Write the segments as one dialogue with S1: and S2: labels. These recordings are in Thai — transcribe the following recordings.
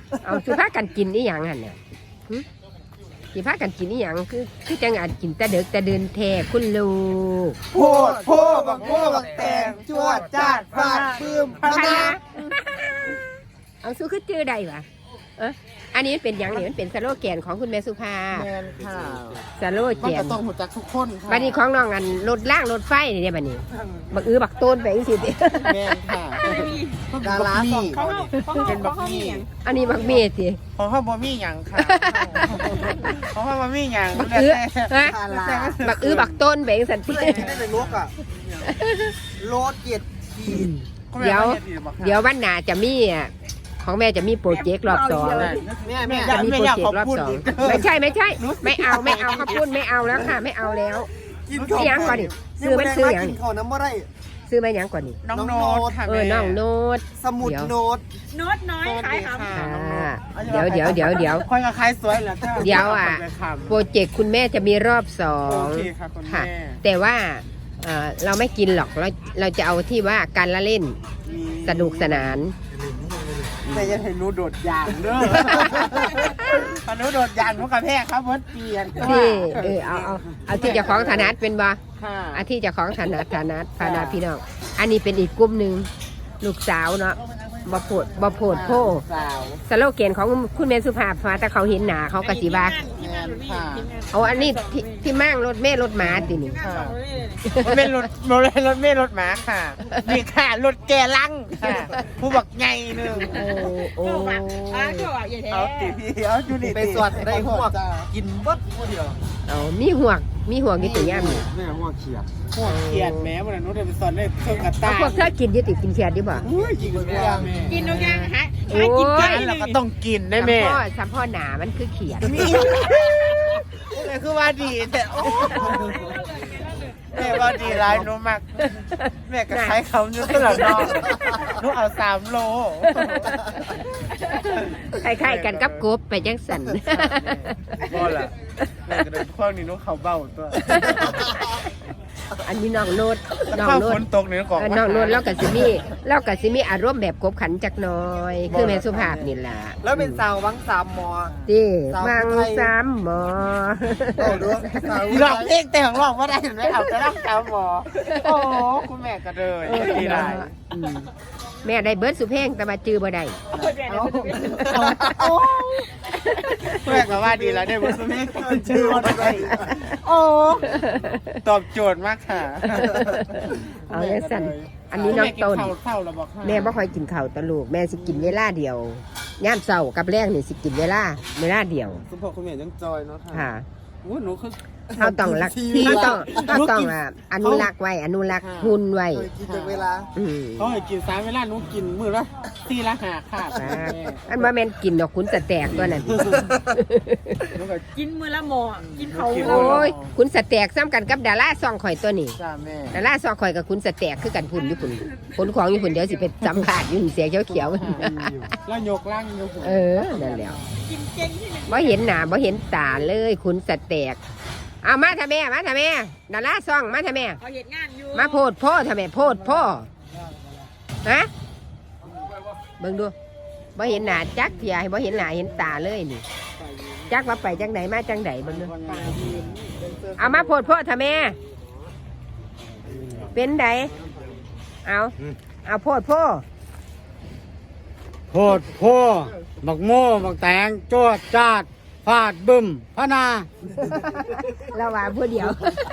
S1: เอาสิพากันกินอีหยังหั่นน่ะสิพากันกินอีหยังคือจังอาจกินแต่เด็กแต่เดินแท้คุณลูก
S2: โพดโพบักโพบักแตงจวดจาดฟาดปื้มพนา
S1: เอาสู้คือจื้อได้ปะอันนี้เป็นอย่างนี้มันเป็นสโลแกนของคุณแม่สุภา
S2: แมนค่ะ
S1: สโล
S2: มัน
S1: แกน
S2: ก็ต้องหัวจักทุกคนค่ะ
S1: บัดนี้ของน้องอันรถล่างรถไฟนี่เด้บัดนี้บักบักโตนไปจังซี่ติ
S2: แมนค่ะดาราสองเขาเป็นบักมี่
S1: อันนี้บักเมย์ติ
S2: ของเขาบ่มีหยังค่ะของเขาบ่มีหยัง
S1: บักฮะบักบักโตนไปจังซั่นติ
S3: ได้เป็นลกอ่ะโลดเกียรติขีด
S1: เดี๋ยววันหน้าจะมีของแม่จะมีโปรเจกต์รอบ2
S3: แม่
S1: จะมีโปรเจกต์รอบ2ไม่ใช่ไม่เอาข้าวปุ้นไม่เอาแล้วค่ะไม่เอาแล้ว
S3: กิน
S1: ซื้อหยังก่อนนี่ซื้อมันซื้อหยัง
S3: กิน
S1: นี่
S3: ข้าวน้ำอะไร
S1: ซื้อมาหยังก่อนนี่
S2: น้องโน้ตค่ะ
S1: น้องโน้ต
S3: สมุดโน้ต
S4: โน้ตน้อยขายครับ
S1: เดี๋ยว
S2: ค่อยกับใครสวยเหรอ
S1: เดี๋ยวโปรเจกต์คุณแม่จะมีรอบ2
S2: โอเคค่ะคุณแม่
S1: แต่ว่าเราไม่กินหรอกเราจะเอาที่ว่าการละเล่นสนุกสนาน
S2: แต่ยังเห็นหนูโดดยางเด้อพอหนูโดดยางหนูกระแทกครับเพิ่นเปลี่ยน
S1: ที่เอาที่เจะของฐานัดเป็นบ่
S2: ค่ะ
S1: อาที่เจะของฐานัดพานาพี่น้องอันนี้เป็นอีกกลุ่มหนึ่งลูกสาวเนาะบ่โพดโพ
S2: สาว
S1: สโลแกนของคุณแม่สุภาพมาแต่เขาเห็นหนาเขากะสิว่า
S2: แมนค่ะ
S1: เอาอันนี้ที่มั่งรถแม่รถหมาตินี่
S2: ค่ะมันเป็นรถเมล์รถหมาค่ะนี่ค่ะรถแกลังค่ะผู้บักไงหนึ่ง
S1: โอ้
S4: ก็ว่าอย่าแท้
S2: เอาติพี่เอาอยู่นี่
S3: ไปสวดได้หัวกินบัดหัวเดียว
S1: เอามีห่วงอยู่ตัวย่ามนี่
S3: แม่หัวเขียด
S2: พวกเขียดแม้วันนั้นหนูได้ไปสอนได้เครื่องกระ
S1: เอา
S2: ต่าย
S1: พวกเธอกินอยู่ติกินเขียดดิบ่
S2: อุ้ยกินกันไม่ได้แม่
S4: กินนกย่างฮะ
S1: โอ้ย
S4: กินไก่
S2: เราก็ต้องกินได้แม่
S1: สัมพ่อหนามันคือเขียด
S2: นี่คือว่าดีแต่โอ้แม่ว่าดีร้ายหนูมากแม่ก็ใช้คำอยู่ตลอดน้องหนูเอา3 โล
S1: คล้ายๆกันกับกบไปจังสัน
S2: บ่ล่ะแม่ก็เลยพวกนี้หนูเขาเบ้าตัว
S1: อันนี้น้องโนดน้อง
S2: ข้าว
S1: โน
S2: ฝ
S1: ด
S2: นตกนี่ก่อน
S1: น้องโนดแล้วก็สิมีอารมณ์แบบกบขันจักหน้อยคือแม่สุภาพนี่ล่ะ
S3: แล้วเป็นสาววังสามมอ
S1: ที่มังสามหมอ
S3: โอ้ดูสาว
S2: ร้องเพลงแต่ของร้องว่าได้เห็นไหมเอาจะรักสาวหมอโอ้คุณแม่ก็เลยดีไร
S1: แม่ได้เบิร์ดสุเพลงแต่มาจื้อบ่ได้
S2: แม่ก็ว่าดีแล้วได้บุญสุเมฆชื่อว่าอะไรโอ้ตอบโจทย์มากค่ะ
S1: เอาอย่างสั่นอันนี้น้องต้น
S2: เศร้าแล้วบอก
S1: แม่บ่ค่อยกินข้าวตะลูกแม่สิกินเวลาเดียวย่ามเช้ากับแรงนี่สิกินเวลาเดียว
S3: คุณพ่อคุณแม่ยังจอยเนาะค่ะ
S1: ค่ะ
S2: โอ้หนูคือ
S1: เขาต้องรักเขาต้องอนุรักษ์ไว้อนุรักษ์หุ่นไว้
S3: เคยกินจากเวลา
S2: เขาให้กิน3 เวลาหนูกินมื้อละ4 ละ 5ค่ะ
S1: อันว่าแม่นกินดอกคุณสแตกตัวนั้น
S2: หนูก็
S4: กินมือละหมอกินเขา
S1: โอ้ยคุณสแตกซ้ำกันกับดาราซองข่อยตัวนี้
S2: จ้าแม่
S1: ดาราซองข่อยกับคุณสแตกคือกันพุ่นอยู่พุ่นผลของอยู่พุ่นเดี๋ยวสิไปสัมผัสอยู่เสียเขียว
S2: แล้วยกล่างอยู่ผม
S1: เออนั่นแหละ
S4: กินเก่งที่ไหน
S1: บ่เห็นหน้าบ่เห็นตาเลยคุณสแตกเอามาทำแม่ดาราซองมาทำแม่
S4: เขาเห็นงานอยู่
S1: มาโพดพ่อทำไมโพดพ่อฮะเบิ่งดูบ่เห็นหน้าจักเทียบ่เห็นหน้าเห็นตาเลยนี่จักว่าไปจังไหนมาจังไหนเบิ่งดูเอามาโพดพ่อทำไมเป็นไดเอาโพดพ่อ
S5: โพดโพบักโม่บักแตงจวดจาดฟาดบึ้มพนา
S1: เราว่าผู้เดียว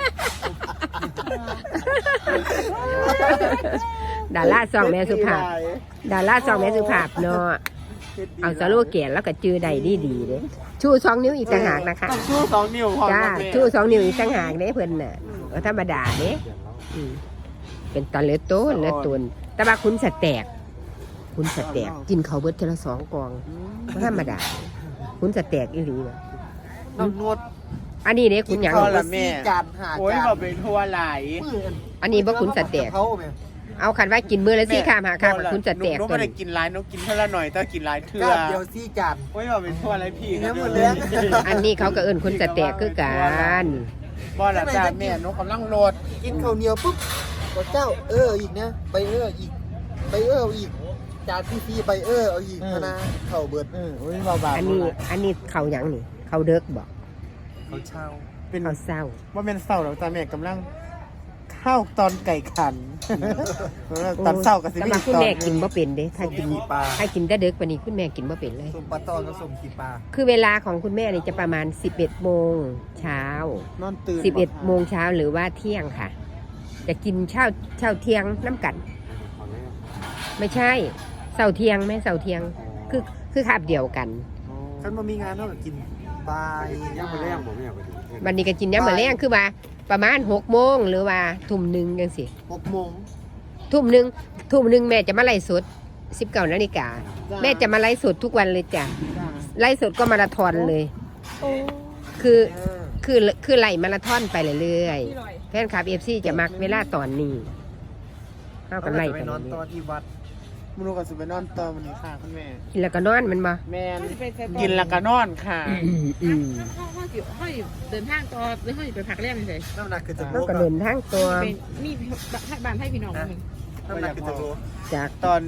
S1: ดาราซองแม่สุภาพเนาะเอาสโลแกนแล้วก็จื้อใดดีเด้ชู2 นิ้วอีกต่างหากนะคะ
S2: ชู2 นิ้วพอ
S1: จ้า
S2: แม่
S1: ชู2 นิ้วอีกต่างหากเด้เพิ่นน่ะก็ธรรมดาเด้เป็นตอนเลือโตนแต่ว่าคุณสแตกกินข้าวเบิดเทอละ2 กล่องบ่ธรรมดาคุณสแตกอีหลีว่ะ
S3: น้องนวด
S1: อันนี้เด้คุณหยัง
S2: ข้าวละแม่
S3: จานหา
S2: โอ้ย
S3: จาน
S2: บ่เป็นทั่วไหล
S1: อันนี้บ่คุณสแตก
S3: เขาแม่
S1: เอาคันว่ากินมื้อละ4 ข้าม5 ข้ามคุณสแตก
S2: หนู
S1: ตัว
S2: ไม่ได้
S1: นี้
S2: กินหลายหนูกินเท่าละหน่อยแต่กินหลายเทื่อ
S3: ก้านเดียวซี่จาน
S2: โอ้ยบ่เป็นทั่วอะไรพี่
S3: เนื้อหมดเลย
S1: อันนี้เขาก็เอิ้นคุณสแตกคือกัน
S2: บ่ละจ้าแม่หนูกำลังโหลด
S3: กินข้าวเหนียวปุ๊บก็เจ้าอีกนะไปอีกไปอีกจานพี่ใบเอาอีกนะเข่าเบิด
S2: โอ้ยเบาๆ
S1: อันนี้เขาหยังนี่เขาเด็กบอก
S3: เขาเช่า
S2: เป็น
S1: เขาเศร้า
S2: ว่าเป็นเศร้าหรอกจ้าแม่กำลังเข้าตอนไก่ขัน ตอนเศร้ากับสิ
S1: แต่
S2: มี
S1: ว่าคุณ
S2: ตอน
S1: แม่กินบ่เป็นเด้ถ้ากิน
S3: ปลา
S1: ถ้ากินแต่เด็กปานนี้คุณแม่กินบ่เป็นเลย
S3: สมปลาตอนกับสมขีปลา
S1: คือเวลาของคุณแม่นี่จะประมาณ 11 โมงเช้า
S2: นอนตื่น
S1: 11 โมงเช้าหรือว่าเที่ยงค่ะ จะกินเช้าเที่ยงน้ำกัน ไม่ใช่เสาเที่ยงไหมเสาเที่ยงคือคาบเดียวกัน
S3: ฉันมามีงานเท่ากับกินบาย
S5: ย่างมาแรงผมไม่อยากไปดู
S1: วันนี้ก็กินย้ำมื้อแลงคือว่าประมาณ6 โมงหรือว่าทุ่มหนึ่งจังสิ
S3: 6 โมง
S1: ทุ่มหนึ่งแม่จะมาไล่สด19 นาฬิกาแม่จะมาไล่สดทุกวันเลยจ้ะไล่สดก็มาราธอนเลยคือไล่มาราธอนไปเรื่อยๆแฟนคลับ FC จะมักเวลาตอนนี้เข้ากันไล่
S3: ไป
S1: ไป
S3: นอน
S1: เรื่
S3: ตอ
S1: อน ย
S3: ที่วัด
S2: มนุษย์กับสุไปนอนตอนวันนี้ค่ะคุณแม่
S1: ๆกินแล้วก็นอนมันบ่
S2: แม่กินแล้วก็นอนค่ะ
S1: อืม
S4: ห้อยเดินทางต่อหรือห้อยไปพักแรมเฉย
S3: น้ำหนักคือจะ
S1: แล้วก็เดินทางตัว
S4: เป็นมีบ้านให้พี่น้องมึง
S3: น้ำหนักคือจะโล
S1: จาก
S2: ตอน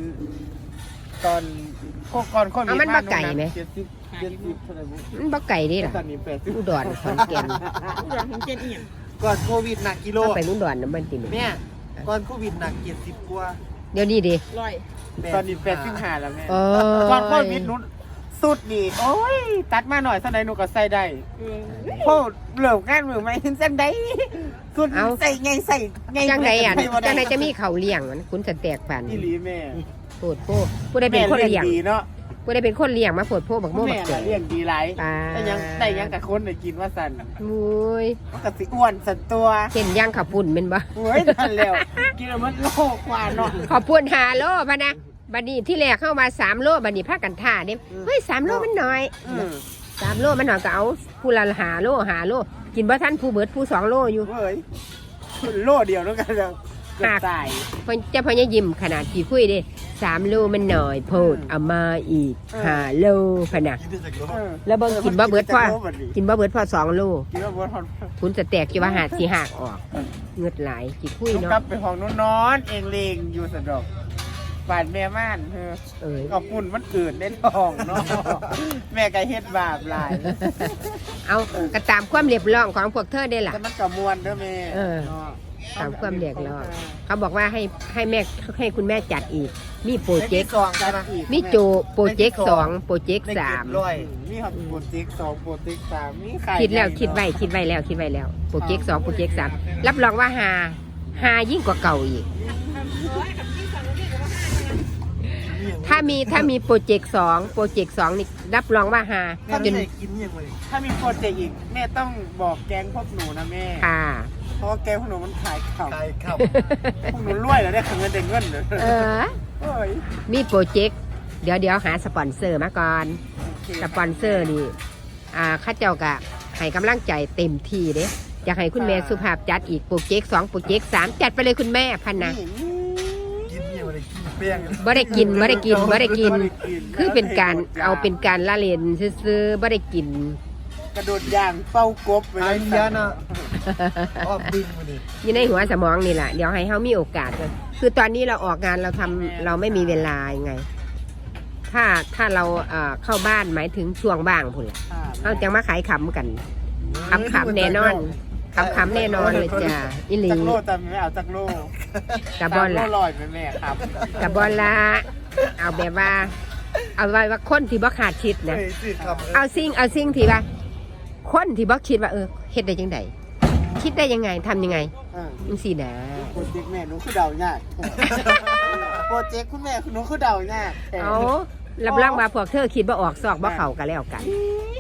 S2: ก่อนโควิด
S1: เอามันมาไก่ไหม
S2: 70เท่าไหร่บุ
S1: มันบ่ไก่เดิล่ะ
S2: ตอนนี้80
S1: อุดรขอนแก่น
S4: ผู้หลังของเจนเอียง
S3: ก่อนโควิดหนักกิโล
S1: ถ้าไปอุดรน้ำมันติด
S3: แม่ก่อนโควิดหนัก70กว่า
S1: เดี๋ยวนี้ดิ
S4: ลอย
S2: ตอนนี้85แล้วแม่
S1: โอ้
S2: ก่อนโควิดนู้นสุดนี่โอ้ยตัดมาหน่อยสักหน่อยหนูก็ใส่ได้โคตรเหลืองานมือไม่เห็นเส้นใดสุดใส่ไงใส่ไง
S1: จังใดอ่ะ
S2: ใส่บ่
S1: จังใดจะมีเขาวเลี้ยงมันคุณจะแตกปัน
S2: อีหลีแม่
S1: โปวดโพผู้ใดเป็นคนเลี้ยง
S2: ดีเนาะ
S1: ผู้ใดเป็นคนเลี้ยงมาโปวดโพบักโม่
S2: แม่
S1: บักเจ๋
S2: น่ะเลี้ยงดีหลาย
S1: ปลา
S2: แต่ยังกับคนได้กินว่าสั่น
S1: มุ้ย
S2: มันก็สิอ้วนสันตัว
S1: เห็นย่างขับปุ่นเป็นบ่
S2: โอ้ยนั่นแล้วกินแล้วมันโลกกว่าเนาะ
S1: ขอบปุ่น5 โลพะนะบัดนี้ที่แรกเข้ามา3 โลบัดนี้พากันท่าเด้เฮ้ย3 โลมันน้อย 3 โลมันน้อยก็เอาผู้ละ5 โลกินบ่ทันผู้เบิดผู้2 โลอยู่
S2: เว้ยโลเดียวแล้วกันแล้วเกิดตาย
S1: เพิ่นจะพยายามขนาดกี่คุยเด้3 โลมันน้อยโพดเอามาอีก5 โลพะนะ
S3: กินได้จากโล
S1: แล้วเบิ่งกินบ่เบิดพอกินบ่เบิดพอ2 โล
S2: กินว่าบ่ทอน
S1: คุณจะแตกกี่ว่าหาดสีหักออกเงือดไหลกี่คุย
S2: ต้อง
S1: เนาะ
S2: กลับไปห้องนู้นนอนเองเลงอยู่สะดอกบานแม่ม่านเธอ
S1: เอ้ย
S2: เอาปุ่นมันเกิดในท้องเนาะแม่ก็เฮ็ดบาปหลาย
S1: เอากระตามความเรียบร้องของพวกเธอได้ล่ะ
S2: แต่มันก็ม่วนเด้อแม่
S1: เออ
S2: นาะ
S1: ตามความเรียกร้องเขาบอกว่าให้แม่ให้คุณแม่จัดอีก มีโปรเจกต์
S3: สองใช่ไหม
S1: มีโจโปรเจกต์2โปรเจกต์
S3: ได้เก็บ
S1: 3
S3: ร้อย
S2: มีครับโปรเจกต์2โปรเจกต์3มีใคร
S1: คิดแล้วคิดไว้แล้วโปรเจกต์2โปรเจกต์3รับรองว่าหายิ่งกว่าเก่าอีก ถ้ามีโปรเจกต์2นี่รับรองว่าหา
S3: ถ้า
S1: จ
S3: ไม่
S1: น
S3: ได้กินยังไง
S2: ถ้ามีโปรเจกต์อีกแม่ต้องบอกแกงพวกหนูนะแม่
S1: ค่ะ
S2: เพราะว่าแกงพวกหนูมันขายข่าว
S3: ขายขับ
S2: พวกหนูรวยแล้วได้เงินได้เงินเลย
S1: เออ
S2: โอ้ย
S1: มีโปรเจกต์เดี๋ยวหาสปอนเซอร์มาก่อน
S2: โอเค
S1: สปอนเซอร์นี่ข้าเจ้ากะให้กำลังใจเต็มที่เด้อยากให้คุณแม่สุภาพจัดอีกโปรเจกต์2โปรเจกต์3จัดไปเลยคุณแม่พันนะ
S3: กินยังไงกินแป้ง
S1: บ่ได้กินคือเป็นการเอาเป็นการละเล่นซื้อๆบ่ได้กิน
S2: กระโดดย่างเป้ากบไป
S3: ไอ้
S2: เลย
S3: เนี้ยนะอ้อมดึงมาดิ
S1: อยู่ในหัวสมองนี่แหละเดี๋ยวให้เฮามีโอกาสเลยคือตอนนี้เราออกงานเราไม่มีเวลายังไง ถ้าเราเข้าบ้านหมายถึงช่วงบ้างพุ่นล่ะเราจะมาขายขำกันขำแน่นอนขำแน่นอนเลยจ้ะอิลี
S2: จักโลแต่ไม่เอาจักโล
S1: กระบอน
S2: โล
S1: ละ
S2: ลอยไปแม่ครับ
S1: กระบอนละเอาแบบว่า เอาไว้ว่าคนที่บ่ขาดคิดนะ
S3: เฮ้ยสิครับ
S1: เอาสิ่งที่ว่าคนที่บ่คิดว่าเฮ็ดได้ยังไงคิดได้ยังไงทำยังไงจังซี่นะ
S2: โปรเจกต์แม่หนูคือเดายากโปรเจกต์คุณแม่หนูคือเดายาก
S1: เอารับรองว่าพวกเธอคิดบ่ออกซอกบ่เข้ากันแล้วกัน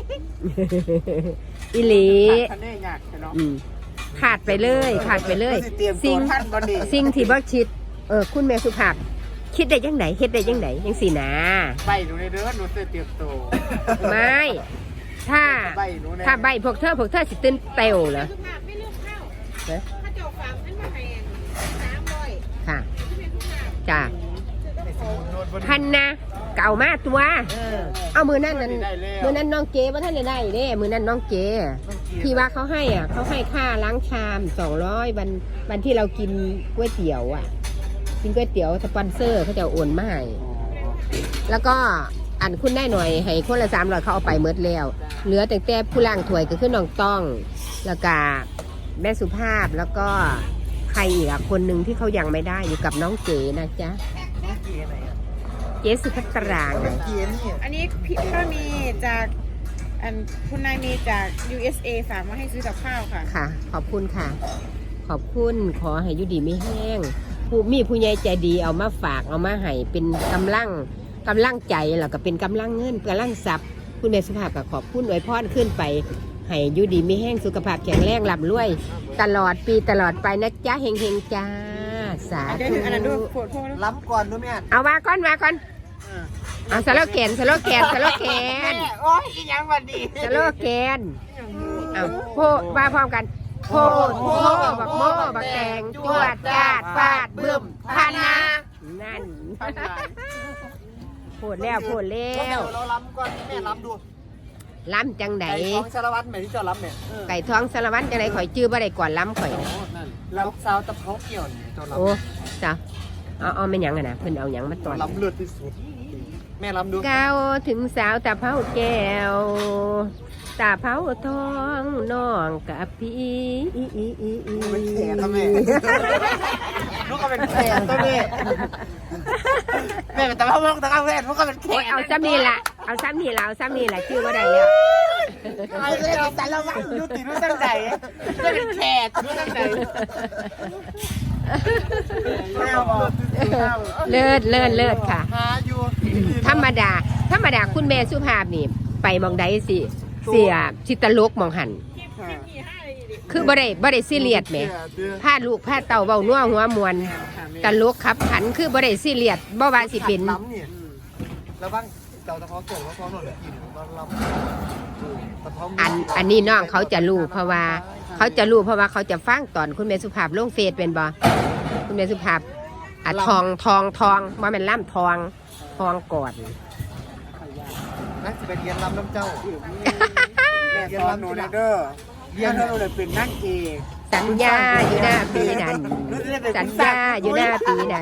S1: อีหลี
S2: คะแนนยากเนาะ
S1: อืมขาดไปเลย
S2: เตรียมตั
S1: สิ่
S2: ว
S1: ง
S2: ท่านบ่ดี
S1: สิ่งที่บ่คิดคุณแม่สุภาพคิดได้ยังไงเฮ็ดได้ยังไงจังซี่นะ
S2: ใบหนูในเด้อหนูจะเตรียมตัว
S1: ไม่ถ้า
S2: ใบหนูใน
S1: ถ้าใบพวกเธอสิตื่นเต้วเหรอ
S4: สุภาพไม่เลือกข้าว
S1: เอ๊ะ
S4: ถ้าเจ้าฝากนั้นมาให้300
S1: ค่ะ
S4: ที่เป็นสุภาพ
S1: จ้ะพันนะเก่ามาตัว เอามือนั่นน้องเก๋ว่าท่านได้เด้มือนั่นน้องเก๋ที่ว่าเขาให้เขาให้ค่าล้างชาม200วันที่เรากินก๋วยเตี๋ยวกินก๋วยเตี๋ยวสปอนเซอร์เขาจะโอนมาให้แล้วก็อันคุณได้หน่อยให้คนละ300เขาเอาไปหมดแล้วเหลือแต่ผู้ล่างถ้วยก็คือน้องต้องแล้วก็แม่สุภาพแล้วก็ใครอีกอะคนหนึ่งที่เขายังไม่ได้อยู่กับน้องเก๋นะจ๊ะ
S3: น้องเกียร์ไหนอ่ะ
S1: เก๋สุภัตรา
S3: น้
S1: ไง
S3: องเกียร์นี่
S4: อันนี้พี่ก็มีจากคุณนายมีจาก USA ฝากมาให้ซื้อกับข้าวค่ะ
S1: ค่ะ ขอบคุณค่ะ ขอบคุณขอให้อยุดีไม่แห้งผู้มีผู้ใหญ่ใจดีเอามาฝากเอามาให้เป็นกำลังใจแล้วก็เป็นกำลังเงินกำลังทรัพย์คุณแม่สุภาพก็ขอบคุณอวยพรขึ้นไปให้อยุดีไม่แห้งสุขภาพแข็งแรงร่ำรวยตลอดปีตลอดไปนะจ๊ะเฮงๆจ้าสา
S4: เดี๋ยว
S1: ธุ
S4: อันนั้นดูโฟดโฟด
S3: ล้ำก่อนด้วยแม่
S1: เอามาก่อนเอาสโลแกน
S2: โอ้ยอีหยังวันดี
S1: สโลแกนเอาโพว่าพร้อมกันโพดโพบักโมบักแตงจวดจาดฟาดบึ้มพันนะนั่นโพดแล้ว
S3: เราล้ำก่อนแม่ล้ำดู
S1: ล้ำจังไหน
S3: ไก่ของสารวัตรแม่ที่เจ้าล้ำเนี่ย
S1: ไก่ท้องสารวัตรจังไหนข่อยจื้อบ่ได้ก่อนล้ำข่อย
S3: นั่นล้ำซาวตะเภาเกี่ยวเนี่ยเจ้าล้
S1: โอ้จ้ะเอาไม่นหยังอะนะเพิ่นเอาหยังมาตอน
S3: ำล้ำเลือดที่สุดแม่ล้ำดู
S1: ก้าวถึงสาวตาเผาแก้วตาเผาทองน้องกับพี่
S3: เป็นแขกครับแม่ลูกก็เป็นแขกตัวนี้แม่เป็นตะเภามองตะเภาแม่ลูกก็เป็นแข
S1: โอ้ย
S3: ก
S1: เอาซ้ำนี่ละชื่อว่าได้แล้ว
S3: เอาเลยเอาสารวัตรดูติดรู้ตั้งใจก็เป็นแขกรู้ตั้งใจแม่บอก
S1: เลิศค่ะ
S3: หาอยู่
S1: ธรรมดาคุณแม่สุภาพนี่ไปมองใดสิเสียชิตลกมองหันคือบ่ได้ซีเรียสแหมพาลูกพาเต่าเว้านัวหัวมวนตลกขับขันคือบ่ได้ซีเรียสบ่ว่าสิเป็น
S3: ล้ำเนี่ยแล้วบ้างเจ้าตะเภาเกี่ยวแล้วพร้อมหน่อยกินตอนล้ำตะเภา
S1: อันนี้น้องเขาจะรู้เพราะว่าเขาจะฟังตอนคุณแม่สุภาพลงเฟซเป็นบ่คุณแม่สุภาพอะทองว่ามันล่ำทองก่อน
S3: นักจะไปเรียนล้ำน้ำเจ้า
S2: แม่สอนหนูนะเด้อเรียนให้หนูเลยเป็นนักเอก
S1: สัญญาอยู่หน้าปีนั้นสัญญาอยู่หน้าปีนั้น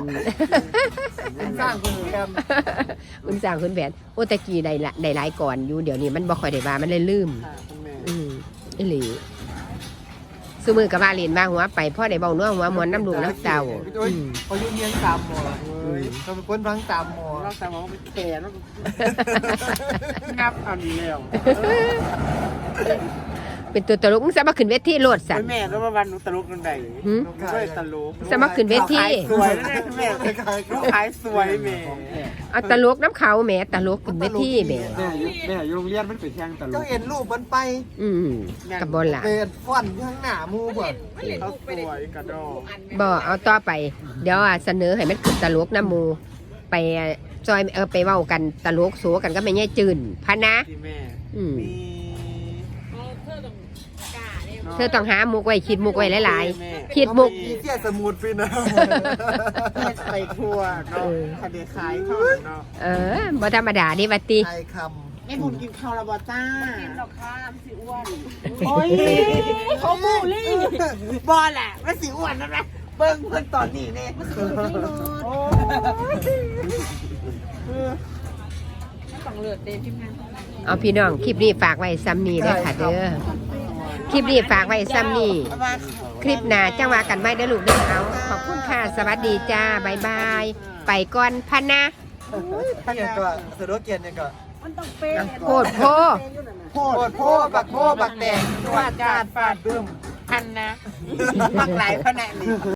S3: สร้างคุณแคม
S1: คุณสร้างคุณแผนโอตะกี้ได้หลายก่อนอยู่เดี๋ยวนี้มันบ่ค่อยได้ว่ามันเลยลืม
S3: คุณแม่
S1: อีหลีซุมือกับว่าเรียนว่าหัวไปพ่อได้เบาเนื้อหัวมวนน้ำลูกน้ำเต่า
S3: พอยุ่งเรียนตามหมอเราเป็นคนฟังตามหมอ
S2: เราสมองเป็นแขกแล้วงับอันนี้แล้ว
S1: เป็นตัวตลกมึงสามารถขึ้นเวทีโลดสัน
S2: แม่แล้ววันหนูตลกกันใดด้วยตลก
S1: สามารถขึ้นเวที
S2: สวยนะแม่ลูกขายสวยแม่
S1: เอาตลกน้ำเขาแหมตลกขึ้นเวทีแหม
S5: แม่อยู่โรงเรียนมันเป็นแข่งตล
S3: เจ้าก เห็นรูปมันไป
S1: กับบนล่ะ
S3: เป็นฟอนข้างหน้ามูเบิด
S2: เขาสวยกระดอก
S1: บ่เอาต่อไป เดี๋ยวเสนอให้มันขึ้นตลกน้ำหมูไปจอยไปเว้ากันตลกโสกันก็ไม่แย่จืนพะนะ
S2: ที่แม่
S1: อืม
S2: มี
S1: เธอต้องหามุกไว้คิดมุกไว้หลายๆคิดมุก
S3: มีเสี้ยสมุดฟินนะ
S2: ไปทั่วเนาะคดีขายเท่านั้นเนาะ
S1: บ่ธรรมดาดิวัตติ
S3: ไทยค
S2: แม่บุญกินข้าวระบอจ้า
S3: ำโอ้ยเขาบูลลี่
S2: บอลแหละไม่สิอ้วนนะนะเบิ้งเพื่อนตอนนี้เนี่ย
S4: ต้องเลือดเต็มทีมงาน
S1: เอาพี่น้องคลิปนี้ฝากไว้ซ้ำนี้เด้อค่ะเด้อคลิปนี้ฝากไว้ซ้ำนี้คลิปหน้าจังว่ากันไว้เด้อลูกเด้อเอาขอบคุณค่ะสวัสดีจ้าบ๊ายบายไปก่อนพันนะ
S3: ท่านเนี่ยก็สะดวกเกียนเนี่ยก็
S1: โคตรโพ
S3: โพดโพบักโพบักแดง
S2: ฟาดจานฟาดบึ้มพันนะมักหลายขนาดนี้